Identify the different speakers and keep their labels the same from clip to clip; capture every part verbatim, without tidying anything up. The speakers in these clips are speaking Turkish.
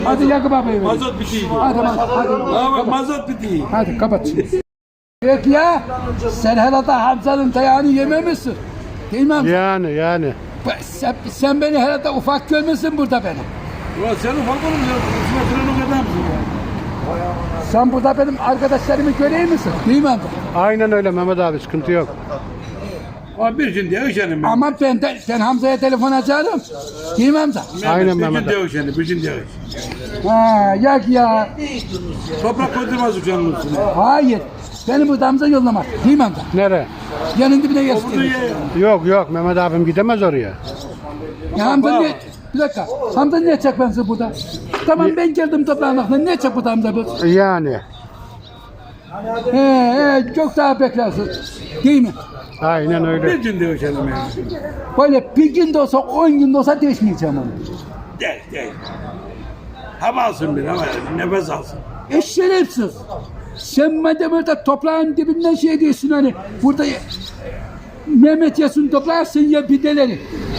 Speaker 1: Hadi Yakup abi.
Speaker 2: Mazot bitiyor.
Speaker 1: Hadi hadi. Hadi,
Speaker 2: Aa bak mazot bitiyor.
Speaker 1: hadi kapat. Yok ya. Sen herhalde Hamza'nın dayağını yememişsin. Değil mi Hamza?
Speaker 3: Yani yani.
Speaker 1: Sen, sen beni herhalde ufak görmüşsün burada beni.
Speaker 2: Ulan sen ufak oğlum ya. Üç metrenin o kadar mısın ya?
Speaker 1: Sen burada benim arkadaşlarımı göreyim misin? Değil mi Hamza?
Speaker 3: Aynen öyle Mehmet abi, sıkıntı yok.
Speaker 2: Abi bir gün diye üşenim ben.
Speaker 1: Ama ben de, sen Hamza'ya telefon açarım. Değil mi Hamza?
Speaker 3: Aynen
Speaker 2: bir
Speaker 3: Mehmet
Speaker 2: gün diye üşenim. Bir gün diye üşenim.
Speaker 1: Ha, yak ya.
Speaker 2: Toprak koydurmaz uçanın üstüne.
Speaker 1: Hayır. Beni burada Hamza yollamak. Değil mi Hamza?
Speaker 3: Nere?
Speaker 1: Yanın dibine
Speaker 2: O
Speaker 1: gelsin.
Speaker 2: bunu ye.
Speaker 3: Yok yok Mehmet abim gidemez oraya.
Speaker 1: Ya Hamza niye? Bir dakika. Hamza niye çek ben sizi burada? Tamam ben geldim toprağın aklına. Niye çek burada Hamza bu?
Speaker 3: Yani.
Speaker 1: He he çok daha beklersin. Değil mi?
Speaker 3: Aynen
Speaker 2: Bir
Speaker 3: öyle.
Speaker 2: gün diye üşenim yani.
Speaker 1: Böyle bir gün de olsa on gün de olsa değişmeyeceğim onu.
Speaker 2: Değil değil. Hava alsın bir hava. Nefes alsın.
Speaker 1: E şerefsiz. Sen madem orada toprağın dibinden şey diyorsun hani burada Mehmet yesin toprağı sen ye pideleri.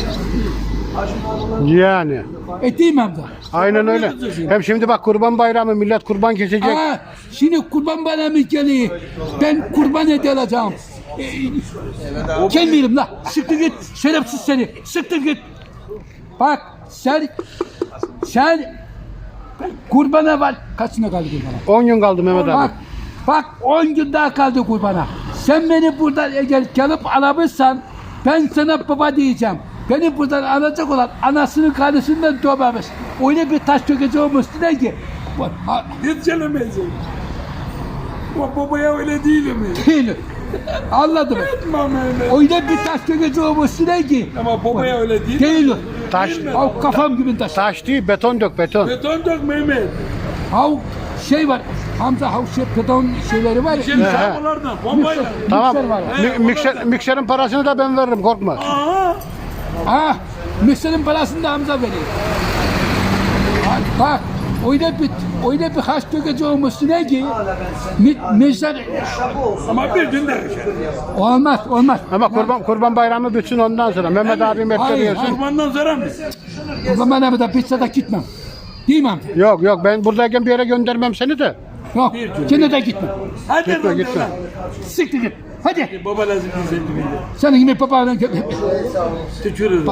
Speaker 3: Yani.
Speaker 1: E değil mi Hamza?
Speaker 3: Aynen öyle. Hem şimdi bak kurban bayramı, millet kurban kesecek.
Speaker 1: Aa, şimdi kurban bayramı geliyor. Ben kurban hediye alacağım. Ee, gelmeyelim la. Sıktır git. Şerefsiz seni. Sıktır git. Bak sen sen kurbana var. Kaçına kaldı kurbana?
Speaker 3: on gün kaldı Mehmet abi.
Speaker 1: Bak bak on gün daha kaldı kurbana. Sen beni buradan eğer gelip alamışsan ben sana baba diyeceğim. Beni buradan alacak olan anasının karnısından doğmamış. Öyle bir taş dökeceğim üstüne ki. Ha,
Speaker 2: Hiç gelemeyecek. O babaya öyle değil mi?
Speaker 1: değil. Anladım.
Speaker 2: Etmem öyle.
Speaker 1: Öyle bir taş dökeceğim üstüne ki.
Speaker 2: Ama babaya öyle değil.
Speaker 1: Değil.
Speaker 3: Taş,
Speaker 1: Ha, kafam gibi taş.
Speaker 3: taş değil, beton dök, beton.
Speaker 2: Beton dök Mehmet.
Speaker 1: Ha şey var. Hamza ha şey beton şeyleri var.
Speaker 2: Şimdi
Speaker 1: ya.
Speaker 2: şabalardan bombayla.
Speaker 1: Mikser-
Speaker 3: Tamam.
Speaker 1: mikser var.
Speaker 3: Mi- mikser, mikserin parasını da ben veririm, korkma.
Speaker 2: Aha.
Speaker 1: Ha, mikserin parasını da Hamza veriyor. Ha, bak, öyle bir, öyle bir haş dökeceğim üstüne ki, mi, mikser,
Speaker 2: Ama bir gün de üşerim.
Speaker 1: olmaz, olmaz.
Speaker 3: Ama kurban kurban bayramı bitsin ondan sonra. Mehmet abim etleri
Speaker 1: Hayır,
Speaker 3: yesin.
Speaker 2: Kurbandan sonra mı?
Speaker 1: O zaman da bitse de gitmem. Değil mi Hamza?
Speaker 3: Yok yok, ben buradayken bir yere göndermem seni de.
Speaker 1: Yok, gene de gitmem.
Speaker 2: Hadi
Speaker 3: Gitme,
Speaker 2: lan,
Speaker 3: gitme.
Speaker 2: lan.
Speaker 1: Siktir git, hadi.
Speaker 2: Baba lazım bize gibi.
Speaker 1: Senin gibi babanın gibi.
Speaker 2: Tükürür.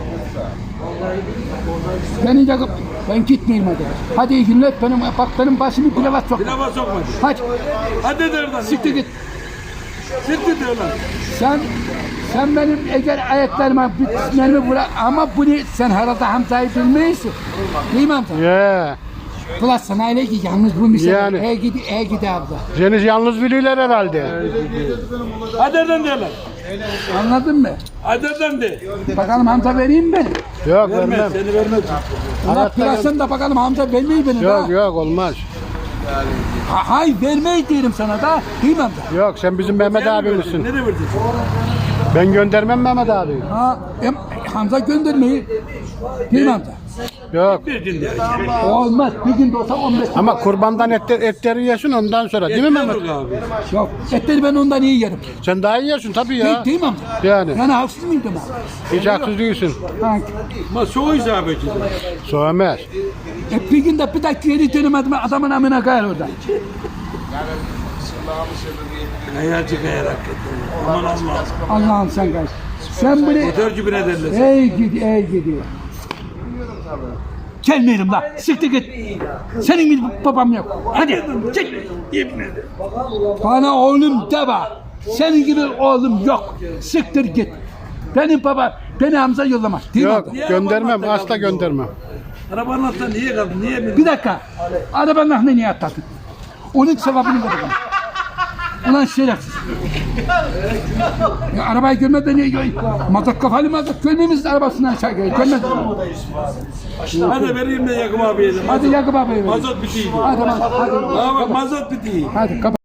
Speaker 1: Beni yakıp, ben gitmeyeyim hadi. Hadi iyi günler, benim, bak benim başımı pilava sok.
Speaker 2: Pilava sokmadı.
Speaker 1: Hadi,
Speaker 2: Hadi der lan.
Speaker 1: siktir git.
Speaker 2: Siktir der lan.
Speaker 1: Sen sen benim eğer ayetlerime bitmelerimi bırak ama bunu sen herhalde Hamza'yı bilmiyorsun. Değil mi Hamza?
Speaker 3: Ye.
Speaker 1: Ulan sana öyle ki yalnız bu misal.
Speaker 3: Yani.
Speaker 1: E gidi, e gidi abla.
Speaker 3: Seni yalnız biliyorlar herhalde.
Speaker 2: Hadi der der lan.
Speaker 1: Anladın mı?
Speaker 2: Hadi der de.
Speaker 1: Bakalım Hamza vereyim mi?
Speaker 3: Yok
Speaker 2: Vermez.
Speaker 3: vermem.
Speaker 2: Seni vermez.
Speaker 1: Ulan plasın da bakalım Hamza vermeyi beni
Speaker 3: Yok
Speaker 1: da.
Speaker 3: yok, olmaz.
Speaker 1: Ha, hayır vermeyi diyorum sana da. Değil mi Hamza?
Speaker 3: Yok, sen bizim Mehmet abimizsin.
Speaker 2: Nereye verdin?
Speaker 3: Ben göndermem Mehmet abi.
Speaker 1: Ha, em, Hamza göndermeyi. Değil mi Hamza?
Speaker 3: Yok.
Speaker 2: Bir gün de.
Speaker 1: Olmaz. Bir gün de olsa on beş.
Speaker 3: Ama kurbandan etler, etleri yesin ondan sonra, değil mi Mehmet?
Speaker 2: Yeter abi.
Speaker 1: Yok. Etleri ben ondan iyi yerim.
Speaker 3: Sen daha iyi yersin tabii ya.
Speaker 1: Değil, değil mi Hamza?
Speaker 3: Yani.
Speaker 1: Yani haksız mıydım abi?
Speaker 3: Hiç haksız değilsin.
Speaker 1: Ha,
Speaker 2: Ama soğuk isabet ediyor.
Speaker 3: Soğumaz.
Speaker 1: E bir günde bir dakika yedi dönemedim adamın amına kayar orada.
Speaker 2: Hayatı kayarak gitti. Aman Allah.
Speaker 1: Allah'ım sen kaç. Sen bunu
Speaker 2: Motor gibi ne derler?
Speaker 1: ey gidi ey gidiyor. Gelmeyelim la. Siktir git. Senin gibi babam yok. Hadi çık.
Speaker 2: İbnedi.
Speaker 1: Bana oğlum deme. Senin gibi oğlum yok. Siktir git. Benim baba beni Hamza yollamaz. Değil mi
Speaker 3: Yok,
Speaker 1: Hamza?
Speaker 3: göndermem, asla göndermem.
Speaker 2: Arabanın altında niye kaldın? Niye bindin?
Speaker 1: Bir dakika. Arabanın aklına niye atladın? Onun sevabını ver bana. Ulan şerefsiz. Ya arabayı görmeden niye gör? Mazot kafalı mazot görmemiz arabasından aşağı geliyor. Görmedin mi?
Speaker 2: Hadi vereyim de Yakup abiye de.
Speaker 1: Hadi Yakup abi.
Speaker 2: Mazot bitiyor.
Speaker 1: Hadi hadi.
Speaker 2: Aa bak mazot bitiyor.
Speaker 1: Hadi kapat.